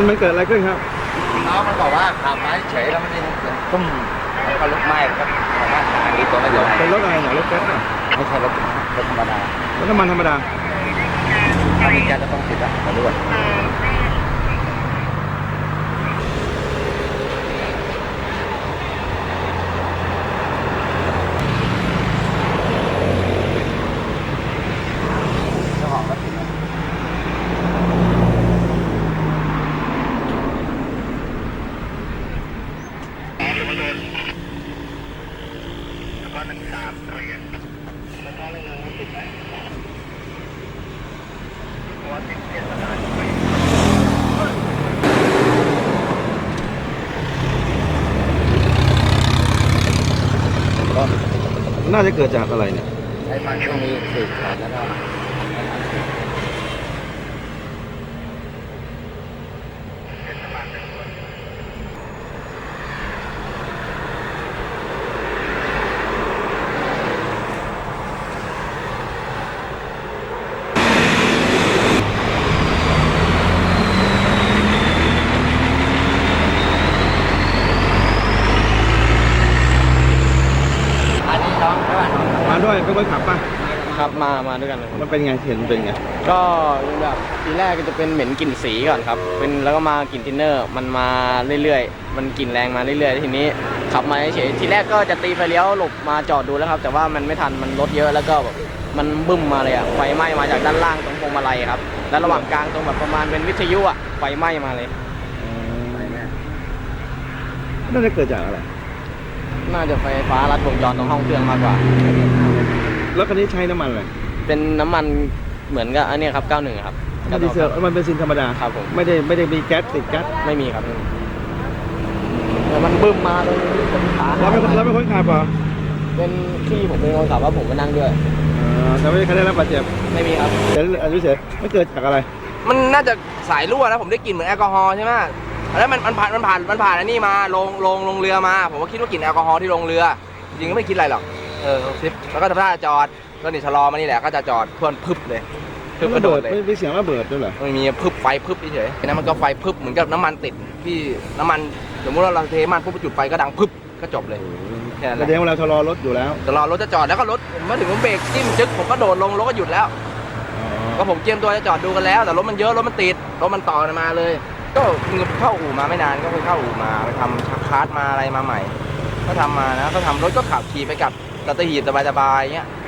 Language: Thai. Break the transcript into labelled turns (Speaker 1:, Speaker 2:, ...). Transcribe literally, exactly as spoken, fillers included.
Speaker 1: มันมันเกิดอะไรขึ้นครับ
Speaker 2: น้องมันบอกว่าขับมาเฉยแล้วมันยังเสียงตุ้มแล้วก็ลุกไหม้ครับของหน้าตาดีตัวไม่โดน
Speaker 1: เป็นรถอะไรเนี่ยรถแก๊สอ่ะ
Speaker 2: ไม่ใช่รถรถธรรมดาร
Speaker 1: ถน้ำมันธรรมดา
Speaker 2: ถ้ามีแก๊สจะต้องติดอะมาด้วย
Speaker 1: น่าจะเกิดจากอะไรเนี่ย
Speaker 2: ไอ้ฟันช่วงนี้สืบขาดแล้วก็
Speaker 1: มาด้วยเป็นคนขับป่ะ
Speaker 3: ครับมามาด้วยกันเลย
Speaker 1: มันเป็นไงเห็นมันเป็นไง
Speaker 3: ก็แบบทีแรกก็จะเป็นเหม็นกลิ่นสีก่อนครับเป็นแล้วก็มากลิ่นทินเนอร์มันมาเรื่อยๆมันกลิ่นแรงมาเรื่อยๆทีนี้ขับมาเฉยทีแรกก็จะตีไฟเลี้ยวหลบมาจอดดูแล้วครับแต่ว่ามันไม่ทันมันรถเยอะแล้วก็แบบมันบึ้มมาเลยอ่ะไฟไหม้มาจากด้านล่างตรงพวงมาลัยครับแล้วระหว่างกลางตรงแบบประมาณเป็นวิทยุอ่ะไฟไหม้มาเลย
Speaker 1: น่าจะเกิดจากอะไร
Speaker 3: น่าจะไฟฟ้ารัดวงจรตรงห้องเครื่องมากกว่า
Speaker 1: แล้วคันนี้ใช้น้ำมันอะไร
Speaker 3: เป็นน้ำมันเหมือนกับอันนี้ครับเก้าสิบเอ็ดครับ
Speaker 1: มันดีเซลมันเป็นซินธรรมดา
Speaker 3: ครับผม
Speaker 1: ไม่ได้ไม่ได้มีแก๊สติดแก๊ส
Speaker 3: ไม่มีครับแต่มันบึ้มมาเลย
Speaker 1: เราเป็นเราเป็นคนขับเหรอ
Speaker 3: เป็นพี่ผมเป็นคนขับว่าผมมานั่งด้วย
Speaker 1: แต่ไม่ได้ใครได้รับบาดเจ็บ
Speaker 3: ไม่มีครับ
Speaker 1: เฉยอันนี้เฉยไม่เกิดจากอะไร
Speaker 4: มันน่าจะสายรั่วนะผมได้กลิ่นเหมือนแอลกอฮอล์ใช่ไหมแล้วมันมันผ่านมันผ่านมันผ่านอันนี้มาลงลงลงเรือมาผมก็คิดว่ากลิ่นแอลกอฮอล์ที่ลงเรือจริงก็ไม่คิดอะไรหรอกเออซิปแล้วก็ทำท่าจอดก็นี่ชะลอมานี่แหละก็จะจอดเพื่อนพึบเลย
Speaker 1: พึบกระโดดเลยไม่มีเสียงระเบิดด้วยเหรอ
Speaker 4: ไม่มีพึบไฟพึบเฉยๆนั้นมันก็ไฟพึบเหมือนกับน้ำมันติดที่น้ำมันสมมติว่าเราเทมันปุ๊บจุดไฟก็ดังพึบก็จบเลย
Speaker 1: แค่นั้นแสดงว่าเราชะลอรถอยู่แล้ว
Speaker 4: ชะลอรถจะจอดแล้วก็รถผมมาถึงผมเบรกจิ้มจึ๊กผมก็โดดลงรถก็หยุดแล้วก็ผมเตรียมตัวจะจอดดูกันแล้วแต่รถมันเยอะรถมันติดรถมันต่อมาเลยก็เข้าอู่มาไม่นานก็ไปเข้าอู่มาไปทำคาร์ดมาอะไรมาใหม่ก็ทำมานะก็ทำรถก็ขับขี่ไปกับสัตหีบสบายๆเงี้ย